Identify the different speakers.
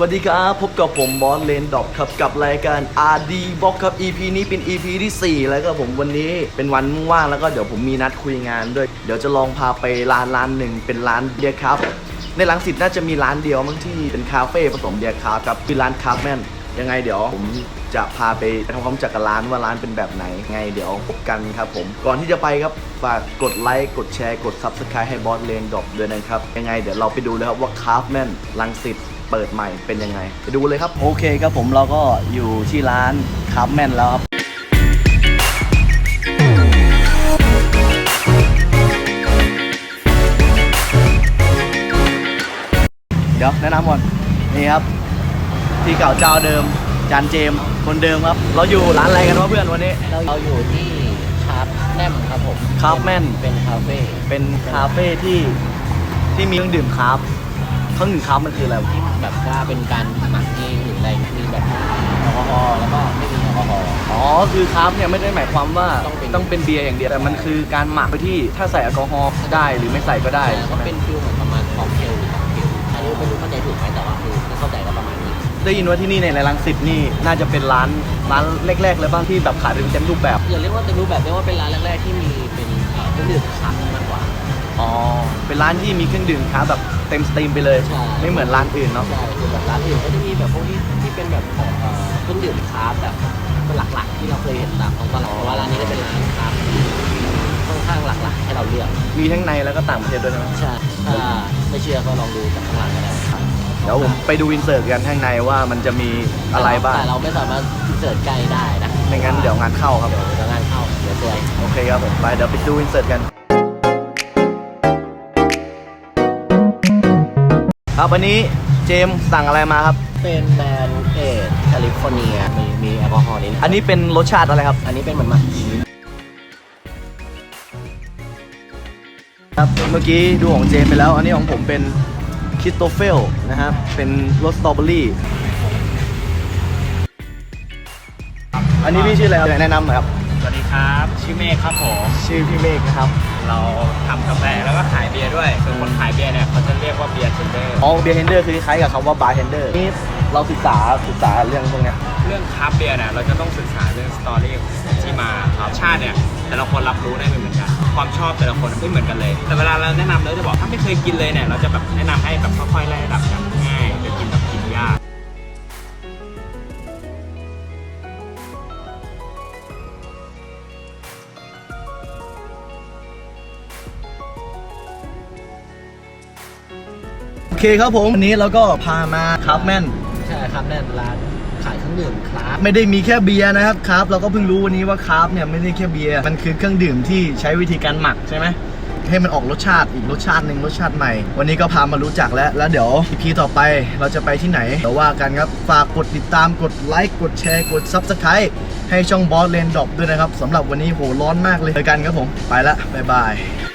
Speaker 1: วัสดีครับพบกับผมบอสเลนดอกครับกับรายการ RD Box ครับ EP นี้เป็น EP ที่4แล้วก็ผมวันนี้เป็นวันว่างแล้วก็เดี๋ยวผมมีนัดคุยงานด้วยเดี๋ยวจะลองพาไปร้านหนึ่งเป็นร้านเบียร์ครับในรังสิตน่าจะมีร้านเดียวมั้งที่เป็นคาเฟ่ผสมเบียร์ครับครับคือร้านคาร์แมนยังไงเดี๋ยวผมจะพาไปทำความรู้จักกับร้านว่าร้านเป็นแบบไหนไงเดี๋ยวพบกันครับผมก่อนที่จะไปครับฝากกดไลค์กดแชร์กด Subscribe ให้บอสเลนดอกด้วยนะครับยังไงเดี๋ยวเราไปดูเลยครับว่าคาร์แมนรังสิตเปิดใหม่เป็นยังไงไปดูเลยครับโอเคครับผมเราก็อยู่ที่ร้านคาร์แมนแล้วครับเดี๋ยวแนะนำก่อนนี่ครับที่เก่าเจ้าเดิมจานเจมคนเดิมครับเราอยู่ร้านอะไรกันวะเพื่อนวันนี้
Speaker 2: เราอยู่ที่คาร์แมนครับผม
Speaker 1: คาร์แมน
Speaker 2: เป็นคาเฟ่
Speaker 1: ที่มีเครื่องดื่มคาร์เครื่องดื่มคาร์มันคืออะไร
Speaker 2: ที่แบบว่าเป็นการหมักเองหรืออะไรมีแบบแอลกอฮอล์แล้วก็ไม่มีแอลกอฮอล์
Speaker 1: อ๋อคือคาร์เนี่ยไม่ได้หมายความว่าต้องเป็นเบียร์อย่างเดียวแต่มันคือการหมักไปที่ถ้าใส่แอลกอฮอล์ได้หรือไม่ใส่ก็ได้
Speaker 2: ก็เป็นฟิลเหมือนประมาณค็อกเทลหรือค็อกเทลอันนี้ไม่รู้เข้าใจถูกไหมแต่ว่าคือเข้าใจก็ประมาณนี้
Speaker 1: ได้ยินว่าที่นี่ในรังสิตนี่น่าจะเป็นร้านแรกๆเลยบ้างที่แบบขายเป็นเต็มรูปแบบ
Speaker 2: อย่าเรียกว่าเต็มรูปแบบเรียกว่าเป็นร้านแรกๆที่มีเป็นเครื่องดื่มคาร์มากกว่า
Speaker 1: อ๋อเป็นร้านที่มีเครื่องดื่มคาร์แบบเต็มสตรีมไปเลยไม่เหมือนร้านอื่นเนาะ
Speaker 2: ใช่คือแบบร้านอื่นก็จะมีแบบพวกที่เป็นแบบของเครื่องดื่มคาร์แบบเป็นหลักๆที่เราเคยเห็นตามท้องตลาดเพราะว่าร้านนี้ก็เป็นร้านคาร์ค่อนข้างหลากๆให้เราเลือก
Speaker 1: มีทั้งในแล้วก็ต่างประเทศด้วยใช่ไหม
Speaker 2: ใช่ถ้าไม่เชื่อก็ลองดูจากข้างหลังก็ได้
Speaker 1: เดี๋ยวผมไปดูอินเสิร์ตกันข้างในว่ามันจะมีอะไรบ้าง
Speaker 2: แต่เราไม่สามารถอินเสิร์ตใกล้ได้นะ
Speaker 1: ไม่งั้นเดี๋ยวงานเข้าครับ
Speaker 2: เดี๋ยวงานเข้าเดี๋ยวซวย
Speaker 1: โอเคครับผมไปเดี๋ยวไปดูอินเสิร์ตกันครับวันนี้เจมสั่งอะไรมาครับ
Speaker 2: เป็นแบรนด์เอทแคลิฟอร์เนียมีแอลกอฮอล์นิด
Speaker 1: อันนี้เป็นรสชาติอะไรครับ
Speaker 2: อันนี้เป็นเหมือนหมักชีส
Speaker 1: ครับเมื่อกี้ดูของเจมไปแล้วอันนี้ของผมเป็นคิสโตเฟลนะครับเป็นรสสตรอเบอรี่อันนี้พี่ชื่ออะไรครับแนะนำหน่อยครับ
Speaker 3: สวัสดีครับชื่อเมฆครับผม
Speaker 1: ชื่อพี่เมฆนะครับ
Speaker 3: เราทำกาแฟแล้วก็ขายเบียร์ด้วยส่วนคนขายเบียร์เนี่ยเขาจะเรียกว่าเบียร์เทนเดอร์
Speaker 1: อ๋อเบียร์เทนเดอร์คือคล้ายกับคำว่าบาร์เทนเดอร์นี่เราศึกษาเรื่องพวกนี้
Speaker 3: เรื่องคราฟต์เบียร์เนี่ยเราจะต้องศึกษาเรื่องสตอรี่ที่มาครับชาติเนี่ยแต่ละคนรับรู้ได้ไม่เหมือนกันความชอบแต่ละคนไม่เหมือนกันเลยแต่เวลาเราแนะนำเราจะบอกถ้าไม่เคยกินเลยเนี่ยเราจะแบบแนะนำให้แบบค่อยๆไล่ระดับกันง่ายจะกินแบบกินยาก
Speaker 1: โอเคครับผมวันนี้เราก็พามาคาร์แมน
Speaker 2: ใช่ครับแน่นร้านขายเครื่องดื่มคราฟ
Speaker 1: ไม่ได้มีแค่เบียร์นะครับคาร์ฟเราก็เพิ่งรู้วันนี้ว่าคาร์ฟเนี่ยไม่ได้แค่เบียร์มันคือเครื่องดื่มที่ใช้วิธีการหมักใช่ไหมให้มันออกรสชาติอีกรสชาติหนึ่งรสชาติใหม่วันนี้ก็พามารู้จักแล้วเดี๋ยว EP ต่อไปเราจะไปที่ไหนเดี๋ยวว่ากันครับฝากกดติดตามกดไลค์กดแชร์กด Subscribe ให้ช่องบอสเลนดอกด้วยนะครับสำหรับวันนี้โหร้อนมากเลยเจอกันครับผมไปละบ๊ายบาย